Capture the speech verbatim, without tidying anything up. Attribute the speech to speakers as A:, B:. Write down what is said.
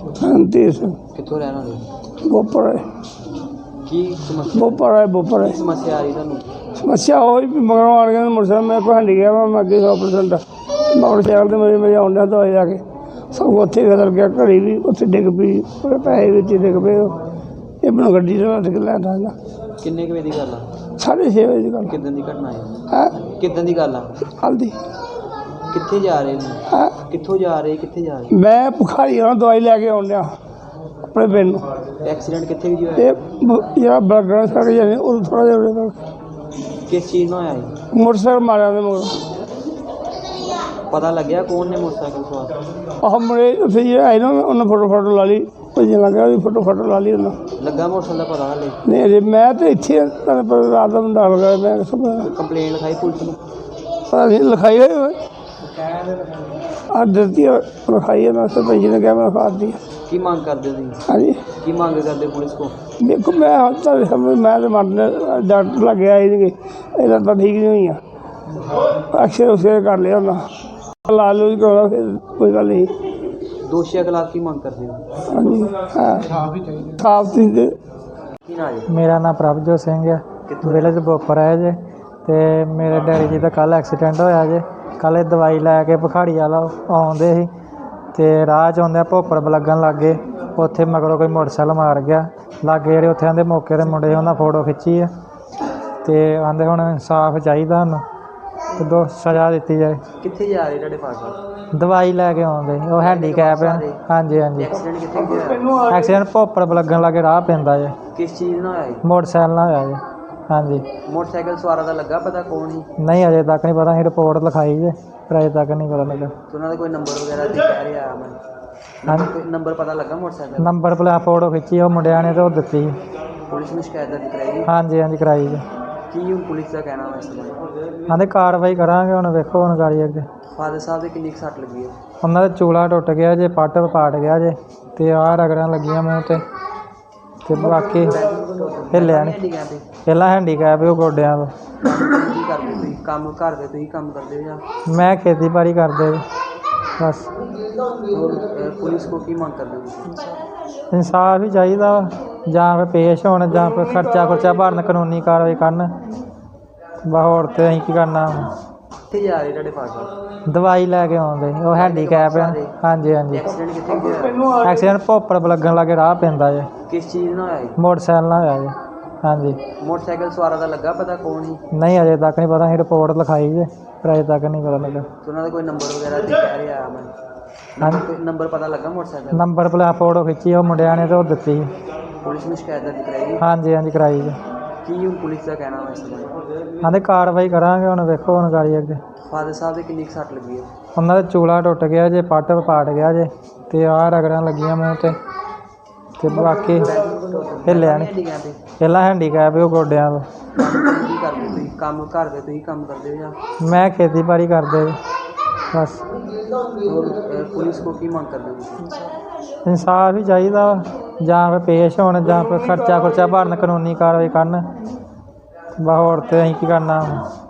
A: ਰਣਧੀਰ ਸਿੰਘ
B: ਕਿੱਥੋਂ ਰਹਿਣ ਵਾਲੇ?
A: ਬੋਪਰ ਹੈ
B: ਕੀ ਸਮੱਸਿਆ
A: ਬੋਪਰ ਹੈ ਬੋਪਰ ਹੈ
B: ਕੀ ਸਮੱਸਿਆ ਆ ਰਹੀ ਤੁਹਾਨੂੰ?
A: ਸਮੱਸਿਆ ਹੋਈ ਵੀ ਮਗਰੋਂ ਆਣ ਕੇ ਮੋਟਰਸਾਈਕਲ ਮੇਰੇ ਕੋਲ ਹੰਡੀ ਗਿਆ ਵਾ, ਮੈਂ ਅੱਗੇ ਸੌ ਪਰਸੈਂਟ ਮੋਟਰਸਾਈਕਲ ਤੇ ਮੇਰੇ ਮੇਰੇ ਆਉਂਦਾ ਦਵਾਈ ਜਾ ਕੇ ਸਭ ਉੱਥੇ ਬਦਲ ਗਿਆ, ਘੜੀ ਵੀ ਉੱਥੇ ਡਿੱਗ ਪਈ, ਉਹਦੇ ਪੈਸੇ ਵਿੱਚ ਹੀ ਡਿੱਗ ਪਏ। ਇਹ ਮੈਨੂੰ ਗੱਡੀ ਤੋਂ ਹੱਥ ਕੇ ਲੈ ਆਉਂਦਾ।
B: ਕਿੰਨੇ ਕੁ ਵਜੇ ਦੀ ਗੱਲ ਆ?
A: ਸਾਢੇ ਛੇ ਵਜੇ ਦੀ ਗੱਲ
B: ਕਿੱਦਾਂ ਦੀ ਘਟਨਾ ਹੈ?
A: ਹੈ
B: ਕਿੱਦਾਂ ਦੀ ਗੱਲ ਆ?
A: ਕੱਲ੍ਹ ਦੀ
B: ਕਿੱਥੇ ਜਾ ਰਹੇ ਨੇ?
A: ਹੈ।
B: ਕਿੱਥੋਂ ਜਾ ਰਹੇ ਕਿੱਥੇ ਜਾ ਰਹੇ?
A: ਮੈਂ ਭੁਖਾਰੀ ਨਾਲ ਦਵਾਈ ਲੈ ਕੇ ਆਉਣ ਡਿਆ ਆਪਣੇ ਪਿੰਡ ਨੂੰ।
B: ਐਕਸੀਡੈਂਟ ਕਿੱਥੇ ਵੀ ਹੋਇਆ?
A: ਇਹ ਬ- ਜਿਹੜਾ ਬਲਗੜ ਸੜ ਜਾਂਦੇ ਉਹ ਥੋੜ੍ਹਾ ਜਿਹਾ ਉਰੇ ਤੱਕ
B: ਕਿਸ ਚੀਜ਼ ਨਾਲ ਹੋਇਆ ਜੀ?
A: ਮੋਟਰਸਾਈਕਲ ਮਾਰਿਆ ਉਹਦੇ ਮਗਰ।
B: ਪਤਾ ਲੱਗਿਆ ਕੌਣ ਨੇ ਮੋਟਰਸਾਈਕਲ ਸਵਾਰ?
A: ਆਹ ਮੁੰਡੇ ਉੱਥੇ ਜਿਹੜਾ ਆਏ ਨਾ ਉਹਨੇ ਫੋਟੋ ਫੋਟੋ ਲਾ ਲਈ, ਭੇਜਣ ਲੱਗਾ ਉਹਦੀ ਫੋਟੋ ਫੋਟੋ ਲਾ ਲਈ ਉਹਨਾਂ।
B: ਲੱਗਾ ਮੋਟਰਸਾਈਕਲ ਦਾ ਪਤਾ ਹਲੇ?
A: ਨਹੀਂ ਅਜੇ ਮੈਂ ਤਾਂ ਇੱਥੇ ਹਾਂ, ਤੁਹਾਨੂੰ ਪਤਾ ਰਾਤ ਦਾ ਮੁੰਡਾ ਹੋ ਗਿਆ, ਮੈਂ ਕਿੱਥੋਂ ਪਤਾ
B: ਕੰਪਲੇਂਟ ਲਿਖਾਈ ਪੁਲਿਸ ਨੂੰ?
A: ਪਤਾ ਨਹੀਂ ਲਿਖਾਈ ਹੋਈ ਹੋਏ ਆ ਦਿੱਤੀ ਆ, ਲਿਖਾਈ ਹੈ। ਮੈਂ ਸਰਪੰਚ ਨੇ ਕਿਹਾ ਮੈਂ ਲਿਖਾ ਦਿੱਤੀ।
B: ਕੀ ਮੰਗ ਕਰਦੇ ਹੋ ਤੁਸੀਂ?
A: ਹਾਂਜੀ
B: ਕੀ ਮੰਗ ਕਰਦੇ ਪੁਲਿਸ ਕੋ?
A: ਦੇਖੋ ਮੈਂ ਹੁਣ ਤਾਂ ਸਮਝ ਮੈਂ ਤਾਂ ਮਰਨ ਡਾਕਟਰ ਲੱਗੇ ਆਏ ਸੀਗੇ, ਇਹਨਾਂ ਤਾਂ ਠੀਕ ਨਹੀਂ ਹੋਈਆਂ, ਅਕਸ਼ਰ ਉਸੇ ਕਰ ਲਿਆ ਉਹਨਾਂ ਲਾ ਲੂ ਕਰਾਉਣਾ, ਫਿਰ ਕੋਈ ਗੱਲ ਨਹੀਂ।
B: ਦੋਸ਼ੀਆਂ ਖਿਲਾਫ ਕੀ ਮੰਗ ਕਰਦੇ ਹੋ?
A: ਹਾਂਜੀ ਹਾਂ ਸਾਫ ਤੁਸੀਂ ਦੇ।
B: ਕੀ ਨਾਂ ਜੀ?
C: ਮੇਰਾ ਨਾਮ ਪ੍ਰਭਜੋਤ ਸਿੰਘ ਹੈ, ਵਿਲੇਜ ਬੋਪਰ ਹੈ ਜੇ। ਅਤੇ ਮੇਰੇ ਡੈਡੀ ਜੀ ਦਾ ਕੱਲ੍ਹ ਐਕਸੀਡੈਂਟ ਹੋਇਆ ਜੇ। ਕੱਲ੍ਹ ਇਹ ਦਵਾਈ ਲੈ ਕੇ ਭਖਾੜੀ ਵਾਲਾ ਆਉਂਦੇ ਸੀ ਅਤੇ ਰਾਹ 'ਚ ਆਉਂਦਿਆਂ ਭੋਪਰ ਲੱਗਣ ਲੱਗ ਗਏ। ਉੱਥੇ ਮਗਰੋਂ ਕੋਈ ਮੋਟਰਸਾਈਕਲ ਮਾਰ ਗਿਆ ਲਾਗੇ, ਜਿਹੜੇ ਉੱਥੇ ਆਂਦੇ ਮੌਕੇ ਦੇ ਮੁੰਡੇ ਉਹਨਾਂ ਫੋਟੋ ਖਿੱਚੀ ਹੈ ਅਤੇ ਆਂਦੇ ਹੁਣ ਇਨਸਾਫ ਚਾਹੀਦਾ ਸਾਨੂੰ ਅਤੇ ਦੋ ਸਜ਼ਾ ਦਿੱਤੀ ਜਾਏ।
B: ਕਿੱਥੇ ਜਾ ਰਹੇ ਤੁਹਾਡੇ ਫਾਦਰ?
C: ਦਵਾਈ ਲੈ ਕੇ ਆਉਂਦੇ ਉਹ ਹੈਂਡੀਕੈਪ ਹੈ। ਹਾਂਜੀ ਹਾਂਜੀ
B: ਐਕਸੀਡੈਂਟ ਕਿੱਥੇ ਹੋਇਆ?
C: ਐਕਸੀਡੈਂਟ ਭੋਪਰ ਲੱਗਣ ਲੱਗੇ ਰਾਹ ਪੈਂਦਾ ਜੇ।
B: ਕਿਸ ਚੀਜ਼ ਨਾਲ ਹੋਇਆ ਜੀ?
C: ਮੋਟਰਸਾਈਕਲ ਨਾਲ ਹੋਇਆ ਜੇ। ਹਾਂਜੀ
B: ਮੋਟਰਸਾਈਕਲ ਸਵਾਰਾਂ ਦਾ ਲੱਗਾ ਪਤਾ ਕੌਣ ਸੀ?
C: ਨਹੀਂ ਅਜੇ ਤੱਕ ਨਹੀਂ ਪਤਾ, ਅਸੀਂ ਰਿਪੋਰਟ ਲਿਖਾਈ ਜੇ ਪਰ ਅਜੇ ਤੱਕ ਨਹੀਂ ਪਤਾ ਲੱਗਾ।
B: ਤੇ ਉਹਨਾਂ ਦਾ ਕੋਈ ਨੰਬਰ ਵਗੈਰਾ ਤੇ ਕਹਿ ਰਿਹਾ ਮੈਂ
C: ਹਾਂਜੀ
B: ਕੋਈ ਨੰਬਰ ਪਤਾ ਲੱਗਾ ਮੋਟਰਸਾਈਕਲ?
C: ਨੰਬਰ ਪਲੇਟ ਫੋਟੋ ਖਿੱਚੀ ਉਹ ਮੁੰਡਿਆਂ ਨੇ ਤੇ ਉਹ ਦਿੱਤੀ।
B: ਪੁਲਿਸ ਨੂੰ ਸ਼ਿਕਾਇਤ ਦਰਜ ਕਰਾਈ?
C: ਹਾਂਜੀ ਹਾਂਜੀ ਕਰਾਈ ਜੀ।
B: ਕੀ ਹੁਣ ਪੁਲਿਸ ਦਾ ਕਹਿਣਾ ਵਾ ਇਸ ਬਾਰੇ?
C: ਕਹਿੰਦੇ ਕਾਰਵਾਈ ਕਰਾਂਗੇ, ਹੁਣ ਵੇਖੋ ਹੁਣ ਗਾੜੀ ਅੱਗੇ।
B: ਫਾਦਰ ਸਾਹਿਬ ਦੇ ਕਿੰਨੀ ਕੁ ਸੱਟ ਲੱਗੀ ਹੈ?
C: ਉਹਨਾਂ ਦਾ ਚੂਲਾ ਟੁੱਟ ਗਿਆ ਜੇ, ਪੱਟ ਪਾਟ ਗਿਆ ਜੇ ਅਤੇ ਆਹ ਰਗੜਾਂ ਲੱਗੀਆਂ ਮੂੰਹ 'ਤੇ ਅਤੇ ਬਾਕੀ ਹਿੱਲਿਆ ਨਹੀਂ। ਪਹਿਲਾਂ ਹੈਂਡੀਕੈਪ ਉਹ ਗੋਡਿਆਂ ਤੋਂ।
B: ਕੀ ਕਰਦੇ ਤੁਸੀਂ ਕੰਮ? ਘਰ ਦੇ ਤੁਸੀਂ ਕੰਮ ਕਰਦੇ ਹੋ ਜਾਂ?
C: ਮੈਂ ਖੇਤੀਬਾੜੀ ਕਰਦੇ ਜੀ ਬਸ।
B: ਹੋਰ, ਅਹ, ਪੁਲਿਸ ਕੋ ਕੀ ਮੰਗ ਕਰਦੇ ਹੋ ਤੁਸੀਂ?
C: ਇਨਸਾਫ ਹੀ ਚਾਹੀਦਾ ਵਾ, ਜਾਂ ਫਿਰ ਪੇਸ਼ ਹੋਣ ਜਾਂ ਫਿਰ ਖਰਚਾ ਖੁਰਚਾ ਭਰਨ, ਕਾਨੂੰਨੀ ਕਾਰਵਾਈ ਕਰਨ। ਬਸ ਹੋਰ ਤਾਂ ਅਸੀਂ ਕੀ ਕਰਨਾ।
B: ਕਿੱਥੇ ਜਾ ਰਹੇ ਤੁਹਾਡੇ ਫਾਦਰ?
C: ਦਵਾਈ ਲੈ ਕੇ ਆਉਂਦੇ ਉਹ ਹੈਂਡੀਕੈਪ ਹੈ। ਹਾਂਜੀ ਹਾਂਜੀ
B: ਐਕਸੀਡੈਂਟ ਕਿੱਥੇ ਹੋਇਆ?
C: ਐਕਸੀਡੈਂਟ ਭੋਪਰ ਲੱਗਣ ਲੱਗੇ ਰਾਹ ਪੈਂਦਾ ਜੇ।
B: ਕਿਸ ਚੀਜ਼ ਨਾਲ ਹੋਇਆ ਜੀ?
C: ਮੋਟਰਸਾਈਕਲ ਨਾਲ ਹੋਇਆ ਜੇ। ਹਾਂਜੀ
B: ਮੋਟਰਸਾਈਕਲ ਸਵਾਰਾਂ ਦਾ ਲੱਗਾ ਪਤਾ ਕੌਣ ਸੀ?
C: ਨਹੀਂ ਅਜੇ ਤੱਕ ਨਹੀਂ ਪਤਾ, ਅਸੀਂ ਰਿਪੋਰਟ ਲਿਖਾਈ ਜੇ ਪਰ ਅਜੇ ਤੱਕ ਨਹੀਂ ਪਤਾ ਲੱਗਾ।
B: ਤੇ ਉਹਨਾਂ ਦਾ ਕੋਈ ਨੰਬਰ ਵਗੈਰਾ ਤੇ ਕਹਿ ਰਿਹਾ ਮੈਂ
C: ਹਾਂਜੀ
B: ਕੋਈ ਨੰਬਰ ਪਤਾ ਲੱਗਾ ਮੋਟਰਸਾਈਕਲ?
C: ਨੰਬਰ ਪਲੇਟ ਫੋਟੋ ਖਿੱਚੀ ਉਹ ਮੁੰਡਿਆਂ ਨੇ ਤੇ ਉਹ ਦਿੱਤੀ।
B: ਪੁਲਿਸ ਨੂੰ ਸ਼ਿਕਾਇਤ ਦਰਜ ਕਰਾਈ?
C: ਹਾਂਜੀ ਹਾਂਜੀ ਕਰਾਈ ਜੀ।
B: ਕੀ ਹੁਣ ਪੁਲਿਸ ਦਾ ਕਹਿਣਾ ਵਾ ਇਸ ਬਾਰੇ?
C: ਕਹਿੰਦੇ ਕਾਰਵਾਈ ਕਰਾਂਗੇ, ਹੁਣ ਵੇਖੋ ਹੁਣ ਗਾੜੀ ਅੱਗੇ।
B: ਫਾਦਰ ਸਾਹਿਬ ਦੇ ਕਿੰਨੀ ਕੁ ਸੱਟ ਲੱਗੀ ਹੈ?
C: ਉਹਨਾਂ ਦਾ ਚੂਲਾ ਟੁੱਟ ਗਿਆ ਜੇ, ਪੱਟ ਪਾਟ ਗਿਆ ਜੇ ਅਤੇ ਆਹ ਰਗੜਾਂ ਲੱਗੀਆਂ ਮੂੰਹ 'ਤੇ ਅਤੇ ਬਾਕੀ ਹਿੱਲਿਆ ਨਹੀਂ। ਪਹਿਲਾਂ ਹੈਂਡੀਕੈਪ ਉਹ ਗੋਡਿਆਂ ਤੋਂ।
B: ਕੀ ਕਰਦੇ ਤੁਸੀਂ ਕੰਮ? ਘਰ ਦੇ ਤੁਸੀਂ ਕੰਮ ਕਰਦੇ ਹੋ ਜਾਂ?
C: ਮੈਂ ਖੇਤੀਬਾੜੀ ਕਰਦੇ ਜੀ ਬਸ।
B: ਹੋਰ, ਅਹ, ਪੁਲਿਸ ਕੋ ਕੀ ਮੰਗ ਕਰਦੇ ਹੋ ਤੁਸੀਂ?
C: ਇਨਸਾਫ ਹੀ ਚਾਹੀਦਾ ਵਾ, ਜਾਂ ਫਿਰ ਪੇਸ਼ ਹੋਣ ਜਾਂ ਫਿਰ ਖਰਚਾ ਖੁਰਚਾ ਭਰਨ, ਕਾਨੂੰਨੀ ਕਾਰਵਾਈ ਕਰਨ। ਬਸ ਹੋਰ ਤਾਂ ਅਸੀਂ ਕੀ ਕਰਨਾ।